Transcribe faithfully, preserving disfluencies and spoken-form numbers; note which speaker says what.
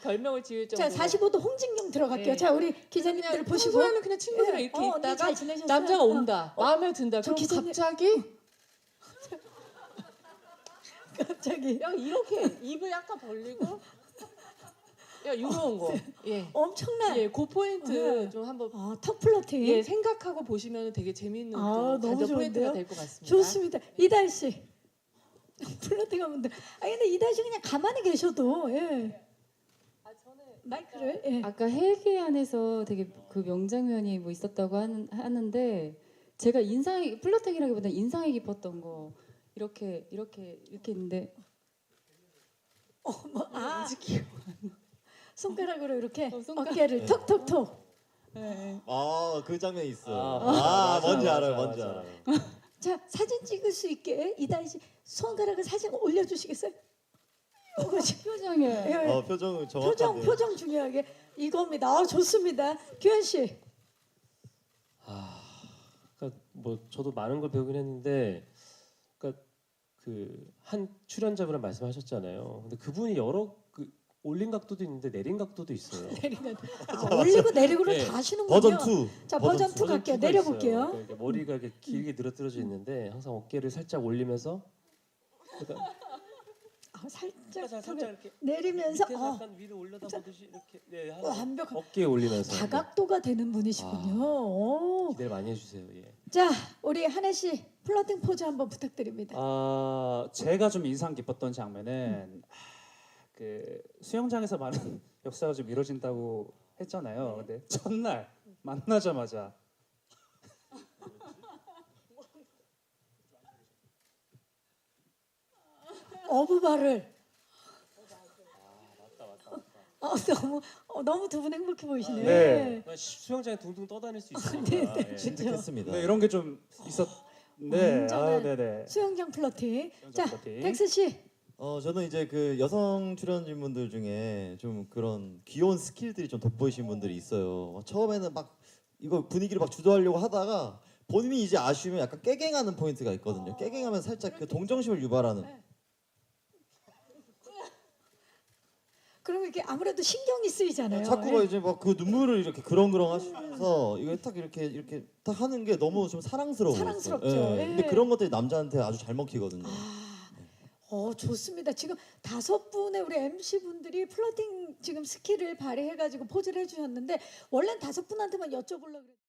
Speaker 1: 별명을 지을
Speaker 2: 자,
Speaker 1: 정도로.
Speaker 2: 사십오 도 홍진경 들어갈게요.
Speaker 1: 네.
Speaker 2: 자, 우리 기자님들
Speaker 1: 그냥
Speaker 2: 보시고.
Speaker 1: 평소에는 그냥 친구들이랑
Speaker 2: 예.
Speaker 1: 이렇게
Speaker 2: 어, 언니
Speaker 1: 있다가
Speaker 2: 잘 지내셨어요?
Speaker 1: 남자가
Speaker 2: 어.
Speaker 1: 온다. 마음에 든다.
Speaker 2: 저
Speaker 1: 그럼
Speaker 2: 기자님-
Speaker 1: 갑자기
Speaker 2: 갑자기
Speaker 1: 야 이렇게 입을 약간 벌리고 야 이런 거. 예.
Speaker 2: 엄청난
Speaker 1: 예, 그 포인트
Speaker 2: 네.
Speaker 1: 좀 한번
Speaker 2: 아, 턱 플러팅.
Speaker 1: 예, 생각하고 보시면 되게 재밌는
Speaker 2: 아,
Speaker 1: 또
Speaker 2: 너무
Speaker 1: 가정 포인트가
Speaker 2: 좋은데요?
Speaker 1: 될 것 같습니다.
Speaker 2: 좋습니다. 이달 씨. 플러팅 하면 돼. 아, 근데 이달 씨 그냥 가만히 계셔도 예. 마이크를 예.
Speaker 3: 아까 헬기 안에서 되게 그 명장면이 뭐 있었다고 하는, 하는데 제가 인상이 플러팅이라기보다 인상이 깊었던 거 이렇게 이렇게 이렇게 있는데
Speaker 2: 어, 뭐, 아,
Speaker 3: 왠지 기억.
Speaker 2: 손가락으로 이렇게
Speaker 3: 어, 손가락.
Speaker 2: 어깨를 톡톡톡.
Speaker 3: 네.
Speaker 4: 아, 그 장면이 있어.
Speaker 5: 아,
Speaker 4: 아,
Speaker 5: 맞아,
Speaker 4: 뭔지
Speaker 5: 맞아,
Speaker 4: 알아요,
Speaker 5: 맞아,
Speaker 4: 뭔지
Speaker 5: 맞아.
Speaker 4: 알아요.
Speaker 2: 자, 사진 찍을 수 있게 이달 씨 손가락을 사진 올려주시겠어요? 이거지.
Speaker 3: 표정이
Speaker 2: 예, 예.
Speaker 4: 어, 표정 정확한데.
Speaker 2: 표정 표정 중요하게 이겁니다. 아, 좋습니다. 규현 씨.
Speaker 5: 아, 그러니까 뭐 저도 많은 걸 배우긴 했는데, 그러니까 그 한 출연자분을 말씀하셨잖아요. 근데 그분이 여러 그 올린 각도도 있는데 내린 각도도 있어요.
Speaker 2: 내리면 아, 올리고 내리고를
Speaker 5: 네.
Speaker 2: 다 하시는군요.
Speaker 4: 버전 투.
Speaker 2: 자, 버전 투 갈게요.
Speaker 5: 투가
Speaker 2: 내려볼게요.
Speaker 5: 있어요. 그러니까 머리가 이렇게 길게 늘어뜨려져 있는데 항상 어깨를 살짝 올리면서 그러니까
Speaker 2: 아, 살짝,
Speaker 5: 살짝, 살짝 이렇게
Speaker 2: 내리면서
Speaker 5: 밑에서
Speaker 2: 어,
Speaker 5: 약간 위로 올려다 보듯이 이렇게 네, 한
Speaker 2: 완벽한
Speaker 5: 어깨에 올리면서
Speaker 2: 다각도가 되는 분이시군요. 오.
Speaker 5: 기대를 많이 해주세요. 예.
Speaker 2: 자, 우리 한혜 씨 플러팅 포즈 한번 부탁드립니다.
Speaker 6: 아, 제가 좀 인상 깊었던 장면은 아, 그 수영장에서 많은 역사가 좀 이루어진다고 했잖아요. 근데 첫날 만나자마자
Speaker 2: 어부발을. 어, 너무 어, 너무 두 분 행복해 보이시네요.
Speaker 6: 네.
Speaker 5: 그냥 수영장에 둥둥 떠다닐 수 있으니까.
Speaker 2: 네, 네.
Speaker 5: 예.
Speaker 4: 진득했습니다.
Speaker 6: 네, 이런 게 좀 있었는데
Speaker 2: 완전한
Speaker 6: 아, 네네.
Speaker 2: 수영장 플러팅.
Speaker 6: 수영장
Speaker 2: 자,
Speaker 6: 플러팅.
Speaker 2: 텍스 씨.
Speaker 4: 어, 저는 이제 그 여성 출연진분들 중에 좀 그런 귀여운 스킬들이 좀 돋보이신 분들이 있어요. 처음에는 막 이거 분위기를 막 주도하려고 하다가 본인이 이제 아쉬우면 약간 깨갱하는 포인트가 있거든요. 깨갱하면 살짝 그 동정심을 유발하는.
Speaker 2: 그러면 이렇게 아무래도 신경이 쓰이잖아요.
Speaker 4: 자꾸가
Speaker 2: 예.
Speaker 4: 이제 막 그 눈물을 이렇게 그렁그렁 하시면서 이거 딱 이렇게 이렇게 딱 하는 게 너무 좀 사랑스러워요.
Speaker 2: 사랑스럽죠. 예.
Speaker 4: 근데 그런 것들이 남자한테 아주 잘 먹히거든요.
Speaker 2: 어, 좋습니다. 지금 다섯 분의 우리 엠씨 분들이 플러팅 지금 스킬을 발휘해가지고 포즈를 해주셨는데 원래는 다섯 분한테만 여쭤보려고 그랬.